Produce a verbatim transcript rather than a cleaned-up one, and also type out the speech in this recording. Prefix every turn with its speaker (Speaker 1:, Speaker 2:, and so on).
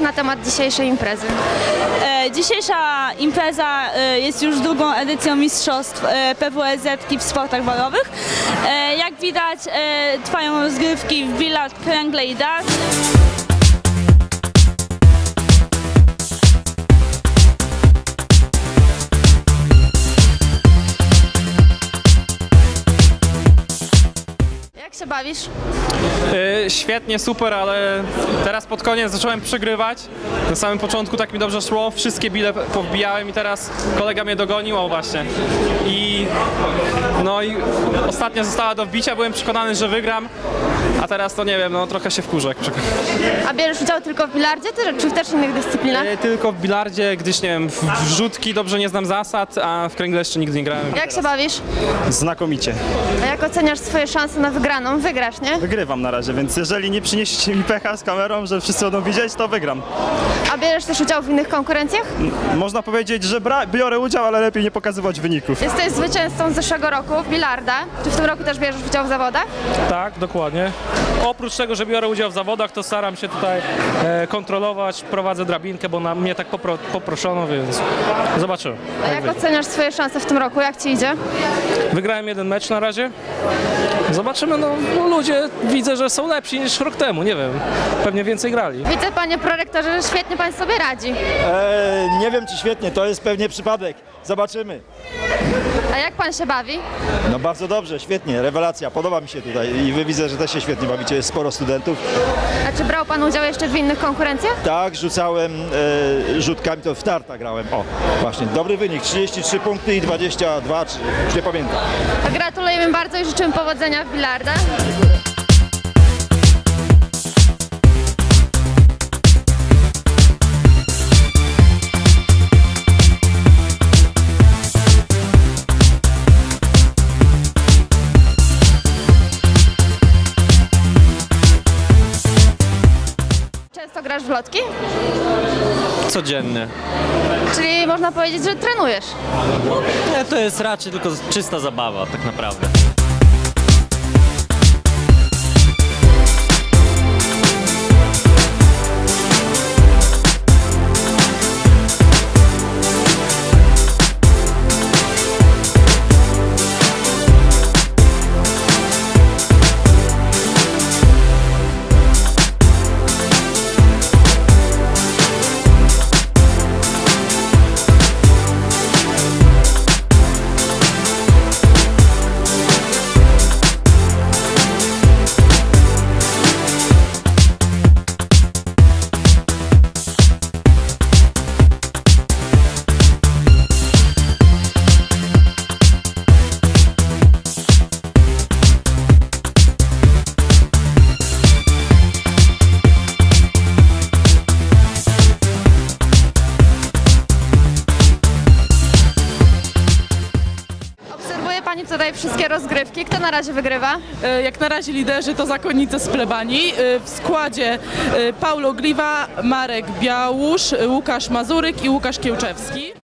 Speaker 1: na temat dzisiejszej imprezy?
Speaker 2: E, dzisiejsza impreza e, jest już drugą edycją mistrzostw e, P W S Z w sportach balowych. E, jak widać e, trwają rozgrywki w bilard, kręgle i dart.
Speaker 1: Jak się bawisz?
Speaker 3: Yy, świetnie, super, ale teraz pod koniec zacząłem przegrywać. Na samym początku tak mi dobrze szło, wszystkie bile powbijałem i teraz kolega mnie dogonił, o właśnie. I no i ostatnia została do wbicia, byłem przekonany, że wygram, a teraz to nie wiem, no trochę się wkurzę. jak przek-
Speaker 1: A bierzesz udział tylko w bilardzie, czy- czy w też innych dyscyplinach?
Speaker 3: Yy, Tylko w bilardzie, gdyż nie wiem, w wrzutki dobrze nie znam zasad, a w kręgle jeszcze nigdy nie grałem.
Speaker 1: Jak się bawisz?
Speaker 4: Znakomicie.
Speaker 1: A jak oceniasz swoje szanse na wygraną? Wygrasz, nie?
Speaker 4: Wygrywam na razie, więc jeżeli nie przyniesiecie mi pecha z kamerą, że wszyscy będą widzieć, to wygram.
Speaker 1: A bierzesz też udział w innych konkurencjach?
Speaker 4: Można powiedzieć, że bra- biorę udział, ale lepiej nie pokazywać wyników.
Speaker 1: Jesteś zwycięzcą z zeszłego roku w bilarda. Czy w tym roku też bierzesz udział w zawodach?
Speaker 5: Tak, dokładnie. Oprócz tego, że biorę udział w zawodach, to staram się tutaj e, kontrolować, prowadzę drabinkę, bo na mnie tak popro, poproszono, więc zobaczymy.
Speaker 1: A jak oceniasz swoje szanse w tym roku? Jak ci idzie?
Speaker 5: Wygrałem jeden mecz na razie. Zobaczymy, no, no ludzie widzę, że są lepsi niż rok temu, nie wiem, pewnie więcej grali.
Speaker 1: Widzę, panie prorektorze, że świetnie pan sobie radzi.
Speaker 6: Eee, nie wiem czy świetnie, to jest pewnie przypadek. Zobaczymy.
Speaker 1: A jak pan się bawi?
Speaker 6: No bardzo dobrze, świetnie, rewelacja, podoba mi się tutaj i wy widzę, że też się świetnie bawicie, jest sporo studentów.
Speaker 1: A czy brał pan udział jeszcze w innych konkurencjach?
Speaker 6: Tak, rzucałem e, rzutkami, to w tarta grałem. O, właśnie, dobry wynik, trzydzieści trzy punkty i dwadzieścia dwa, czy, już nie pamiętam.
Speaker 1: To gratulujemy bardzo i życzymy powodzenia w bilarda. Często grasz w lotki?
Speaker 7: Codziennie.
Speaker 1: Czyli można powiedzieć, że trenujesz.
Speaker 7: Nie, to jest raczej tylko czysta zabawa, tak naprawdę.
Speaker 1: Obserwuje pani tutaj wszystkie rozgrywki. Kto na razie wygrywa?
Speaker 8: E, Jak na razie liderzy to zakonnice z plebanii. E, W składzie e, Paulo Gliwa, Marek Białusz, e, Łukasz Mazuryk i Łukasz Kiełczewski.